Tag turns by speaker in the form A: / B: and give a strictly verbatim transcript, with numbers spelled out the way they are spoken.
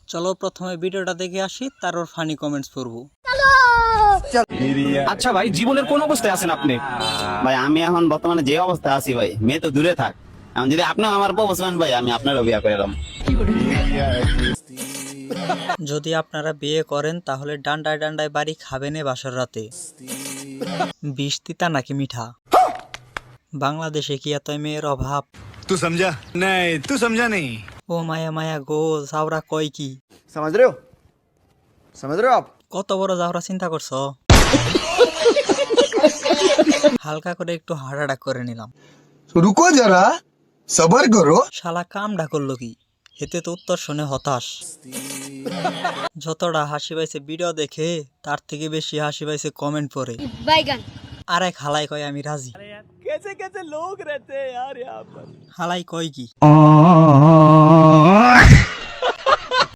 A: চলো প্রথমে ভিডিওটা দেখে আসি, তারপর ফানি কমেন্টস পড়বো।
B: আচ্ছা ভাই, জীবনের কোন অবস্থায় আছেন আপনি?
C: ভাই আমি এখন বর্তমানে যে অবস্থায় আছি ভাই, মেয়ে তো দূরে থাক, এখন যদি আপনি আমার প্রপোজ করেন ভাই, আমি আপনারও বিয়ে করে এলাম।
A: যদি আপনারা বিয়ে করেন তাহলে ডান্ডায় ডান্ডায় বাড়ি খাবেন এ বাসর রাতে। বিষ তিতা নাকি মিঠা? বাংলাদেশে কি এত মেয়ের অভাব?
D: तू समझा नहीं, तू समझा नहीं।
A: ও মায়া মায়া গো, জাউরা কয় কি?
E: समझ रहे हो समझ रहे हो आप
A: কত বড় জাউরা চিন্তা করছো? হালকা করে একটু হার্ট অ্যাটাক করে নিলাম।
E: रुको जरा सबर करो
A: শালা কামডা করলো কি? হেতে তো উত্তর শুনে হতাশ। যতটা হাসি পাইছে ভিডিও দেখে, তার থেকে বেশি হাসি পাইছে কমেন্ট পড়ে।
F: बैगन
A: আর এক হালাই কয় আমি রাজি। হালাই কয় কি?